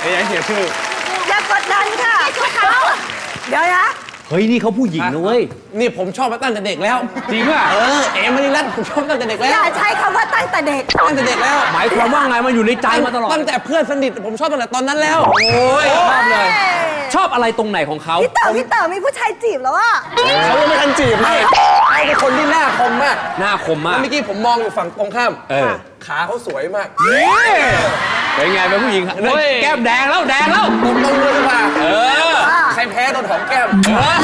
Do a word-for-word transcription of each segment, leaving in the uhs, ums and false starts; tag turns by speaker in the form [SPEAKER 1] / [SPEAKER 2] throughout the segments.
[SPEAKER 1] อย่าเสียชื่อ
[SPEAKER 2] อย่ากดดันค่ะเดี๋ยวนะ
[SPEAKER 3] เฮ้ยนี่เขาผู้หญิงนะเว้ย
[SPEAKER 1] นี่ผมชอบมาตั้งแต่เด็กแล้ว
[SPEAKER 3] จริงป่ะ
[SPEAKER 1] เออเอ๋มณีรัตน์ผมชอบตั้งแต่เด็กแล้ว
[SPEAKER 2] อย่าใช้คำว่าตั้งแต่เด็ก
[SPEAKER 1] ตั้งแต่เด็กแล้ว
[SPEAKER 3] หมายความว่าไงมันอยู่ในใจมาตลอด
[SPEAKER 1] ตั้งแต่เพื่อนสนิทผมชอบตั้งแต่ตอนนั้นแล้วโ
[SPEAKER 3] อ้ยชอบเลยชอบอะไรตรงไหนของเขา
[SPEAKER 2] พี่เต๋อพี่เต๋อมีผู้ชายจีบแล้วอ่ะ
[SPEAKER 1] เขายังไม่ทันจีบเลยเขาเป็นคนที่หน้าคมมาก
[SPEAKER 3] หน้าคมมาก
[SPEAKER 1] เมื่อกี้ผมมองอยู่ฝั่งตรงข้าม
[SPEAKER 3] เออ
[SPEAKER 1] ขาเขาสวยมาก
[SPEAKER 3] เป็นไงเป็นผู้หญิงแก้มแดงแล้วแดงแล้ว
[SPEAKER 1] ตรงตรงเลยดีกว่า
[SPEAKER 3] เออ
[SPEAKER 1] ใครแพ้โดนหอมแก้ม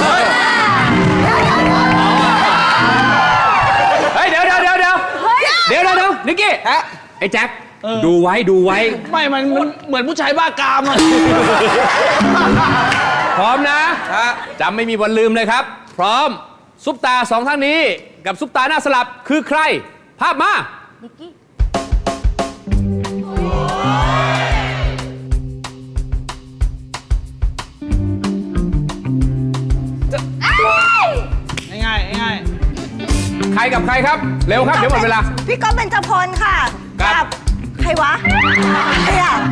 [SPEAKER 3] เฮ้ยเดี๋ยวเดี๋ยวเดี๋ยวเดี๋ยวเดี๋ยวเดี๋ยวเดี๋ยวนิกกี้ไอ้แจ็คดูไว้ดูไว้
[SPEAKER 4] ไม่มันเหมือนผู้ชายบ้ากามอะ
[SPEAKER 3] พร้อมนะจำไม่มีวันลืมเลยครับพร้อมซุปตาสองท่านนี้กับซุปตาหน้าสลับคือใครภาพมานิกกี้
[SPEAKER 4] ง่ายง่าย
[SPEAKER 3] ใครกับใครครับเร็วครับเดี๋ยวหมดเวลา
[SPEAKER 2] พี่ก๊อฟเบญจพลค่ะ
[SPEAKER 3] กับ
[SPEAKER 2] ใครวะใครอ่ะ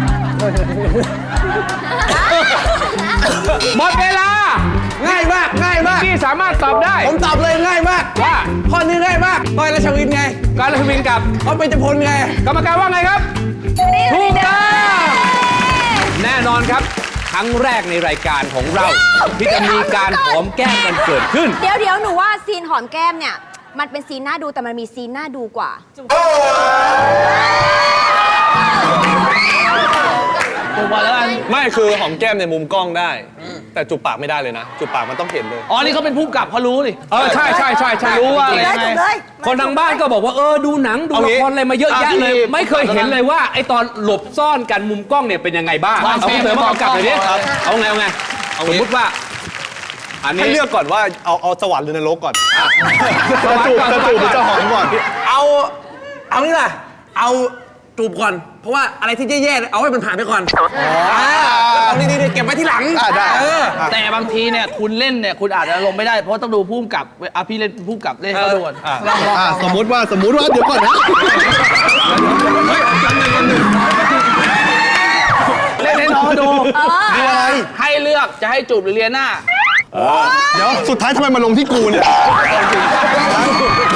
[SPEAKER 3] หมดเวลา
[SPEAKER 1] ง่ายมากง่ายมาก
[SPEAKER 3] ที่สามารถตอบได้
[SPEAKER 1] ผมตอบเลยง่ายมาก
[SPEAKER 3] ว่า
[SPEAKER 1] ข้อนี้ง่ายมากก้อยราชวินไง
[SPEAKER 3] ก้อยราชวินกับ
[SPEAKER 1] ก๊อฟเบญจพลไง
[SPEAKER 3] กรรมการว่าไงครับถูกต้องแน่นอนครับครั้งแรกในรายการของเราที่จะมีการหอมแก้มกันเกิดขึ้น
[SPEAKER 5] เดี๋ยวเดี๋ยวหนูว่าซีนหอมแก้มเนี่ยมันเป็นซีนน่าดูแต่มันมีซีนน่าดูกว่า
[SPEAKER 4] จูบปากแล้วกัน
[SPEAKER 1] ไม่คือหอมแก้มในมุมกล้องได้แต่จูบปากไม่ได้เลยนะจูบปากมันต้องเห็นเลย
[SPEAKER 4] อ๋อนี่เขาเป็นผู้กำกับเขารู้ดิ
[SPEAKER 3] เออใช่ใช่ใช่ใช่
[SPEAKER 4] รู้ว่าอะไรไง
[SPEAKER 3] คนทางบ้านก็บอกว่าเออดูหนังดูละครอะไรมาเยอะแยะเลยไม่เคยเห็นเลยว่าไอตอนหลบซ่อนกันมุมกล้องเนี่ยเป็นยังไงบ้างเอาเสริมมากำกับหน่อยดิเอาไงเอาไงสมมติว่าอันนี้
[SPEAKER 1] ให้เลือกก่อนว่าเอาเอาสวรรค์หรือนรกก่อนจะจูบจะจูบหรือจะหอมก่อนเอาเอานี่แหละเอาจูบก่อนเพราะว่าอะไรที่แย่ๆเอาให้มันผ่านไปก่อนเอาดีๆเก็บไว้ที่หลัง
[SPEAKER 4] แต่บางทีเนี่ยคุณเล่นเนี่ยคุณอาจจะลงไม่ได้เพราะต้องดูผู้กำกับอ่ะพี่เล่นผู้กำกับเล่นเขาดูก่อน
[SPEAKER 1] สมมติว่าสมมติว่าเดี๋ยวก่อนนะ
[SPEAKER 4] เล่นให้น้องดูมีอะไรให้เลือกจะให้จูบหรือเลียหน้า
[SPEAKER 1] เดี๋ยวสุดท้ายทำไมมาลงที่กูเนี่ย